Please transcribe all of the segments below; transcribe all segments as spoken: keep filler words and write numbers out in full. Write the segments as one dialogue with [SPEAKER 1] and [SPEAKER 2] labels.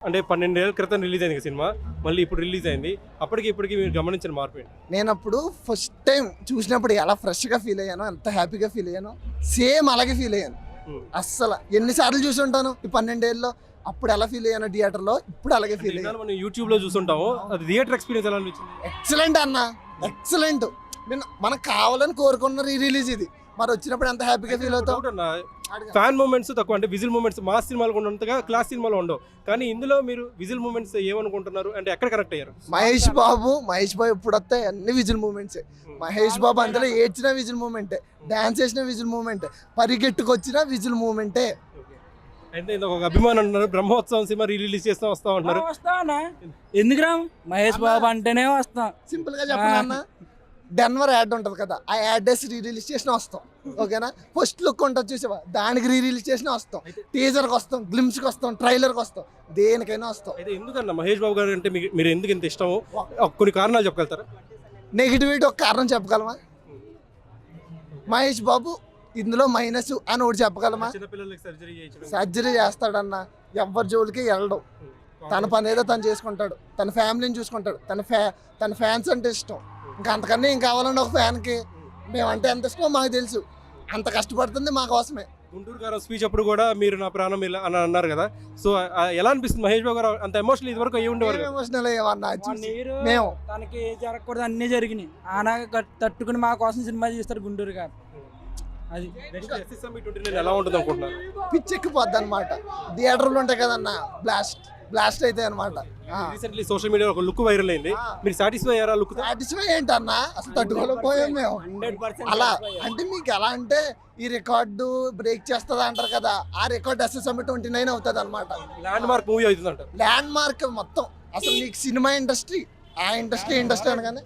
[SPEAKER 1] అంటే పన్నెండేళ్ల క్రితం రిలీజ్ అయింది సినిమా, మళ్ళీ ఇప్పుడు రిలీజ్ అయింది. అప్పటికి ఇప్పటికి మీరు గమనించిన మార్పు ఏంటి?
[SPEAKER 2] నేను అప్పుడు ఫస్ట్ టైం చూసినప్పుడు ఎలా ఫ్రెష్గా ఫీల్ అయ్యానో, ఎంత హ్యాపీగా ఫీల్ అయ్యానో సేమ్ అలాగే ఫీల్ అయ్యాను. అస్సలు ఎన్నిసార్లు చూసి ఉంటాను ఈ పన్నెండేళ్ళలో, అప్పుడు ఎలా ఫీల్ అయ్యాను థియేటర్లో, ఇప్పుడు అలాగే ఫీల్ అయ్యాను.
[SPEAKER 1] మనం యూట్యూబ్ లో చూస్తుంటాము, అది థియేటర్ ఎక్స్పీరియన్స్ ఎలా అనిపించింది?
[SPEAKER 2] ఎక్సలెంట్ అన్న, ఎక్సలెంట్. నేను మనకు కావాలని కోరుకున్న రీ రిలీజ్ ఇది, మరి వచ్చినప్పుడు ఎంత హ్యాపీగా ఫీల్ అవుతావు.
[SPEAKER 1] ఫ్యాన్ మూమెంట్స్ తక్కువ, అంటే విజిల్ మూమెంట్స్ మాస్ సినిమాలు ఉన్నంతగా క్లాస్ సినిమాలో ఉండవు, కానీ ఇందులో మీరు విజిల్ మూమెంట్స్ ఏమనుకుంటున్నారు అంటే ఎక్కడ కరెక్ట్ అయ్యారు?
[SPEAKER 2] మహేష్ బాబు మహేష్ బాబు ఎప్పుడు వస్తాయి అన్ని విజిల్ మూమెంట్సే. మహేష్ బాబు అందులో ఏడ్చిన విజిల్ మూమెంటే, డాన్స్ చేసిన విజిల్ మూమెంటే, పరిగెట్టుకొచ్చిన విజిల్ మూమెంటే.
[SPEAKER 1] అయితే ఇది ఒక అభిమానం అంటున్నారు, బ్రహ్మోత్సవం సినిమా రిలీజ్ చేస్తా వస్తా ఉంటున్నారు.
[SPEAKER 3] వస్తానా ఎందుకు రా, మహేష్ బాబు అంటేనే వస్తాం.
[SPEAKER 2] సింపుల్ గా చెప్పాలన్నా, డెన్వర్ యాడ్ ఉంటుంది కదా, ఆ యాడ్ వేసి రీ రిలీజ్ చేసిన వస్తాం. ఓకేనా, ఫస్ట్ లుక్ ఉంటుంది చూసావా, దానికి రీ రిలీజ్ చేసిన వస్తాం, టీజర్కి వస్తాం, గ్లిమ్స్కి వస్తాం, ట్రైలర్కి వస్తాం, దేనికైనా వస్తాం.
[SPEAKER 1] అయితే ఎందుకన్నా మహేష్ బాబు గారు అంటే మీకు మీరు ఎందుకు ఇంత ఇష్టము, కొన్ని కారణాలు చెప్పగలుగుతారా?
[SPEAKER 2] నెగిటివిటీ ఒక కారణం చెప్పగలమా? మహేష్ బాబు ఇందులో మైనస్ అని ఒకటి చెప్పగలమా? సర్జరీ చేస్తాడన్న, ఎవరి జోలికి వెళ్ళడం, తన పని ఏదో తను చేసుకుంటాడు, తన ఫ్యామిలీని చూసుకుంటాడు, తన ఫ్యా తన ఫ్యాన్స్ అంటే ఇష్టం. ఇంకా అంతకన్నా ఏం కావాలండి ఒక ఫ్యాన్కి? మేమంటే ఎంత ఇష్టమో మాకు తెలుసు, అంత కష్టపడుతుంది మా కోసమే.
[SPEAKER 1] గుంటూరు గారు స్పీచ్ అప్పుడు కూడా మీరు నా ప్రాణం ఇలా అని అన్నారు కదా, సో ఎలా అనిపిస్తుంది మహేష్ బాబు గారు అంత ఎమోషనల్ ఇది వరకు అయ్యి ఉండేవారు?
[SPEAKER 2] ఎమోషనల్ అయ్యేవన్నా
[SPEAKER 3] నీరు
[SPEAKER 2] మేము,
[SPEAKER 3] తనకి జరగకూడదు అన్నీ జరిగినాయి, ఆనా తట్టుకుని మా కోసం సినిమా తీస్తారు గుంటూరు గారు. అది
[SPEAKER 1] ఎలా ఉంటుంది అనుకుంటున్నారు?
[SPEAKER 2] పిచ్చెక్కిపోద్ది అనమాట. థియేటర్లు ఉంటాయి కదన్నా, బ్లాస్ట్ బ్లాస్ట్ అయితే అనమాట.
[SPEAKER 1] రీసెంట్లీ సోషల్ మీడియా ఒక లుక్ వైరల్ అయింది, మీరు సాటిస్ఫై అయ్యారా? లుక్
[SPEAKER 2] సాటిస్ఫై ఏంటన్నా, అసలు తట్టుకోలేకపోయాం మేము. అలా అంటే మీకు ఎలా అంటే ఈ రికార్డు బ్రేక్ చేస్తుంది అంటారు కదా, ఆ రికార్డ్ ఎస్ఎస్ఎం ట్వంటీ నైన్ అవుతుంది అనమాట.
[SPEAKER 1] ల్యాండ్ మార్క్ మూవీ అవుతుంది అంట.
[SPEAKER 2] ల్యాండ్ మార్క్ మొత్తం అసలు నీకు సినిమా ఇండస్ట్రీ, ఆ ఇండస్ట్రీ ఇండస్ట్రీ అనగానే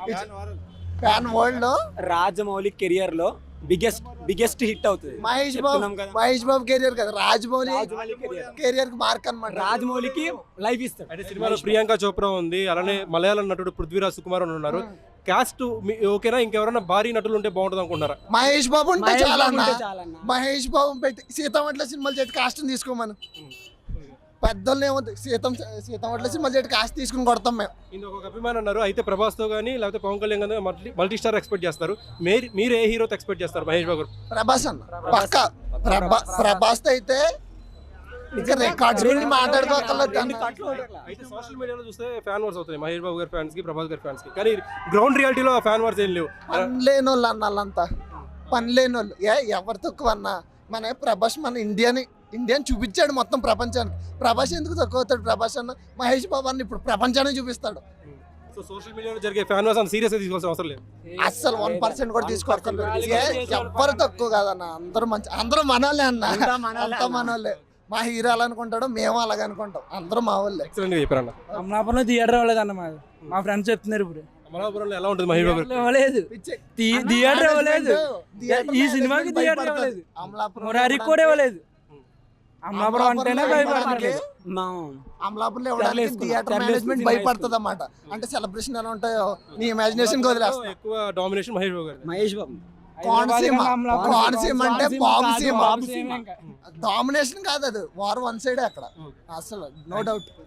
[SPEAKER 2] ఫ్యాన్ వరల్డ్ లో
[SPEAKER 4] రాజమౌళి కెరియర్ లో బిగ్గెస్ట్ బిగ్గెస్ట్ హిట్ అవుతుంది.
[SPEAKER 2] మహేష్ బాబు మహేష్ బాబు కెరియర్ కదా, రాజమౌళి కెరియర్ కి మార్క్ అనమాట.
[SPEAKER 4] రాజమౌళికి లైఫ్ ఇస్తాడు.
[SPEAKER 1] అంటే సినిమాలో ప్రియాంక చోప్రా ఉంది, అలానే మలయాళం నటుడు పృథ్వీరాజ్ సుకుమార్ అని ఉన్నారు. కాస్ట్ ఓకేనా, ఇంకెవరైనా భారీ నటులు ఉంటే బాగుంటుంది అనుకుంటారా?
[SPEAKER 2] మహేష్ బాబు ఉంటే చాలా, మహేష్ బాబు పెట్టి సీతమట్ల సినిమాలు చేతి కాస్ట్ తీసుకోమను. పెద్దోళ్ళు ఏమవుతుంది, సీతం సీతమట్ల సినిమాలు చేతి కాస్ట్ తీసుకుని కొడతాం మేము.
[SPEAKER 1] ఇంకొక ఒక అభిమానం అన్నారు, అయితే ప్రభాస్ తో కానీ లేకపోతే పవన్ కళ్యాణ్ కానీ మల్టీ మల్టీ స్టార్ ఎక్స్పెక్ట్ చేస్తారు, మీరు మీరు ఏ హీరోతో ఎక్స్పెక్ట్ చేస్తారు? మహేష్ బాబు గారు?
[SPEAKER 2] ప్రభాస్ అన్న పక్క, ప్రభాస్ అయితే ఇంకా రికార్డ్స్ గురించి మాట్లాడుకోగలరు.
[SPEAKER 1] అయితే సోషల్ మీడియాలో చూస్తే ఫ్యాన్ వార్స్ అవుతాయి మహేష్ బాబు గారి ఫ్యాన్స్ కి, ప్రభాస్ గారి ఫ్యాన్స్ కి, కానీ గ్రౌండ్ రియాలిటీలో ఫ్యాన్ వార్స్ ఏం లేవు.
[SPEAKER 2] పని లేని వాళ్ళు అన్న, వాళ్ళంతా పని లేని వాళ్ళు. ఏ ఎవరు తక్కువ అన్న, మన ప్రభాస్ మన ఇండియాని ఇండియాని చూపించాడు మొత్తం ప్రపంచానికి. ప్రభాస్ ఎందుకు తక్కువ అవుతాడు? ప్రభాస్ అన్న మహేష్ బాబు అన్న ఇప్పుడు ప్రపంచాన్ని చూపిస్తాడు.
[SPEAKER 1] సో సోషల్ మీడియాలో జరిగే ఫ్యాన్ వార్స్ అంత సీరియస్ గా తీసుకోవాల్సిన అవసరం లేదు,
[SPEAKER 2] అస్సలు వన్ పర్సెంట్ కూడా తీసుకోవాలి. ఎవ్వరు తక్కువ కాదన్న, అందరూ మంచి, అందరూ మనోళ్ళే అన్న, అంతా మనోళ్ళే. మా హీరో అలా అనుకుంటాడు, మేము అలాగే అనుకుంటాం, అందరూ మా వాళ్ళే.
[SPEAKER 1] ఎక్సలెంట్ గా చెప్పారన్న.
[SPEAKER 3] అమలాపురంలో థియేటర్ అవ్వలేదు అన్న, మాది మా ఫ్రెండ్స్ చెప్తున్నారు ఇప్పుడు.
[SPEAKER 1] అమలాపురంలో ఎలా ఉంటుంది మహేష్ బాబు?
[SPEAKER 3] ఇవ్వలేదు థియేటర్, ఇవ్వలేదు ఈ సినిమాకి థియేటర్, ఇవ్వలేదు మురారి కూడా ఇవ్వలేదు. అమలాపురం అంటేనే భయపడుతుంది,
[SPEAKER 2] అమలాపురంలో ఇవ్వడానికి థియేటర్ మేనేజ్మెంట్ భయపడుతుంది అన్నమాట. అంటే సెలబ్రేషన్ ఎలా ఉంటాయో నీ ఇమాజినేషన్ వదిలేస్తా.
[SPEAKER 1] ఎక్కువ డామినేషన్ మహేష్ బాబు గారు.
[SPEAKER 4] మహేష్ బాబు
[SPEAKER 2] కోనసీమ, కోనసీమ అంటే బాబు సీమ. డామినేషన్ కాదు అది, వార్ వన్ సైడ్ అక్కడ అసలు నో డౌట్.